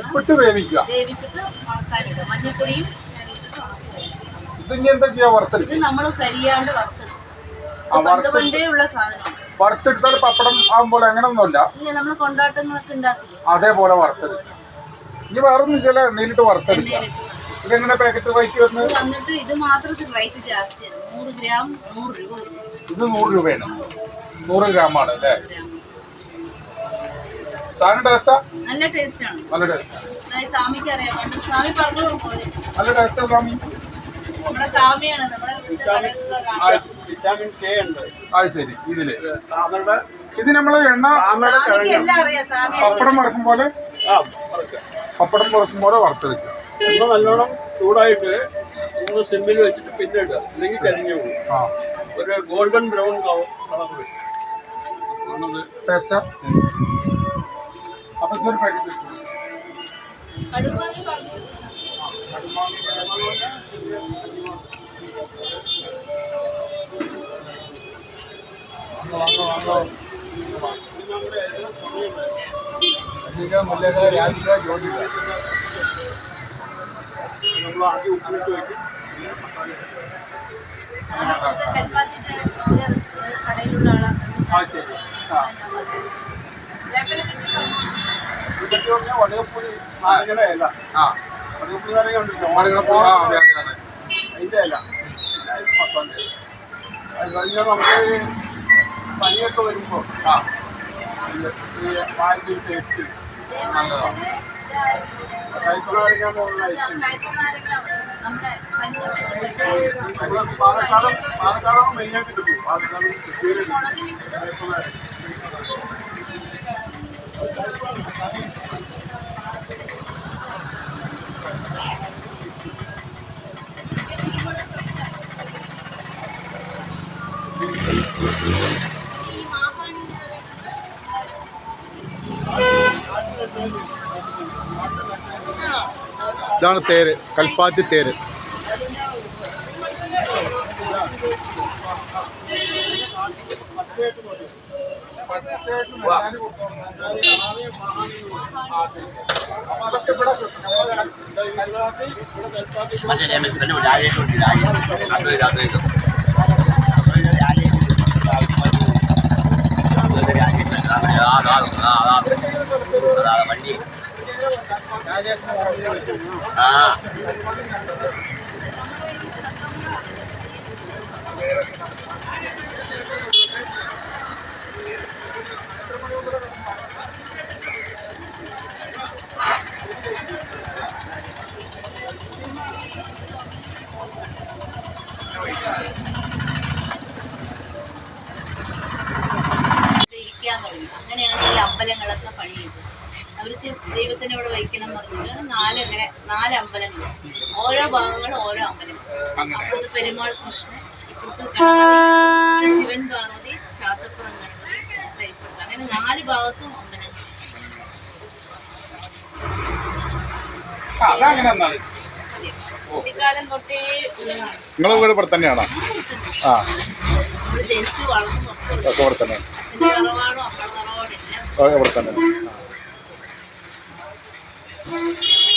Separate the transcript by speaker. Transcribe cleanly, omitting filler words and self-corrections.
Speaker 1: ഉപ്പിട്ട് വേവിക്കുക.
Speaker 2: വേവിച്ചിട്ട് ഉണക്കാനിടുക. മഞ്ഞപ്പൊടിയും
Speaker 1: ഇത് എന്താ ചെയ്യാ? വറുത്തെടുക്കും.
Speaker 2: ഇത് നമ്മൾ കരിയാണ്ട് വറുത്തെടുക്കും. പണ്ടേ ഉള്ള സാധനമാണ്.
Speaker 1: വറുത്തെടുത്താൽ പപ്പടം ആകുമ്പോൾ അങ്ങനെയൊന്നുമല്ല.
Speaker 2: ഇല്ല, നമ്മൾ കൊണ്ടാട്ടങ്ങളൊക്കെ ഉണ്ടാക്കില്ല
Speaker 1: അതേപോലെ വറുത്തെടുക്കും. ഇനി വേറൊന്നും ചില നേരിട്ട് വറുത്തെടുക്കാം. ഇതെങ്ങനെ പാക്കറ്റ് റേറ്റ് വരുന്നത്?
Speaker 2: വന്നിട്ട് ഇത് മാത്രത്തിൽ റേറ്റ് ജാസ്തിയാണ്. 100 ഗ്രാം 100 രൂപ.
Speaker 1: ഇത് 100 രൂപയാണ്. 100 ഗ്രാമാണ് അല്ലേ? സാധനം ടേസ്റ്റാ? നല്ല ടേസ്റ്റാണ്. നല്ല ടേസ്റ്റ്.
Speaker 2: സ്വാമിക്ക് അറിയാം. സ്വാമി പറഞ്ഞു പോലെ
Speaker 1: നല്ല ടേസ്റ്റ്. സ്വാമി
Speaker 2: നമ്മുടെ സ്വാമിയാണ്.
Speaker 1: അത് ശരി. ഇത് നമ്മള് എണ്ണ പപ്പടം വറക്കും പോലെ വറുത്തെടുക്കുക.
Speaker 3: നല്ലോണം ചൂടായിട്ട് ഒന്ന് സിമ്മിൽ വെച്ചിട്ട് പിന്നെ ഇടുക. അല്ലെങ്കിൽ കരിഞ്ഞു പോകും. ഒരു ഗോൾഡൻ ബ്രൗൺ കളർ
Speaker 1: ടേസ്റ്റാ. അപ്പൊ ഇതൊരു പാക്കറ്റ്
Speaker 3: നമ്മൾ ആദ്യം ഉപ്പിട്ട് വയ്ക്കും.
Speaker 2: കടയിലുള്ള
Speaker 3: വടകപ്പുളി നാരങ്ങയുടെ ഇല. വടകപ്പുളി നാരങ്ങ ഉണ്ടല്ലോ, അതിൻ്റെ ഇല മസാല. അത് കഴിഞ്ഞാൽ നമുക്ക് പനിയൊക്കെ വരുമ്പോൾ പാലിൻ്റെ ടേസ്റ്റ് കൈക്കുനാരങ്ങ പോലുള്ള പാലക്കാടാണ് മെയിനായിട്ട് കിട്ടും. പാലക്കാട് കൈക്കുനാരങ്ങ.
Speaker 4: ഇതാണ് തേര്, കൽപ്പാത്തി തേര്.
Speaker 5: വണ്ടി
Speaker 2: അങ്ങനെയാണ് ഈ അമ്പലങ്ങളൊക്കെ പണി ചെയ്തത്. അവർക്ക് ദൈവത്തിനെ ഇവിടെ വയ്ക്കണം പറഞ്ഞിട്ട് 4 അമ്പലങ്ങൾ, ഓരോ ഭാഗങ്ങളും ഓരോ അമ്പലങ്ങൾ. അപ്പുറത്ത് പെരുമാൾ കൃഷ്ണൻ, ഇപ്പുറത്ത് ഗണപതി, ശിവൻ പാർവതി, ചാത്തപ്പുറം ഗണപതി, ഇപ്പുറത്ത് അങ്ങനെ 4 ഭാഗത്തും അമ്പലങ്ങൾ. കുട്ടിക്കാലം തൊട്ടേ
Speaker 4: നിങ്ങളെ വീട് ഇവിടെ തന്നെയാണോ? ആ,
Speaker 2: ജനിച്ചു വളർന്നു
Speaker 4: ഇവിടെ തന്നെ.
Speaker 2: തറവാടും അപ്പുറ തറവാടും എല്ലാം
Speaker 4: ഇവിടെ തന്നെ.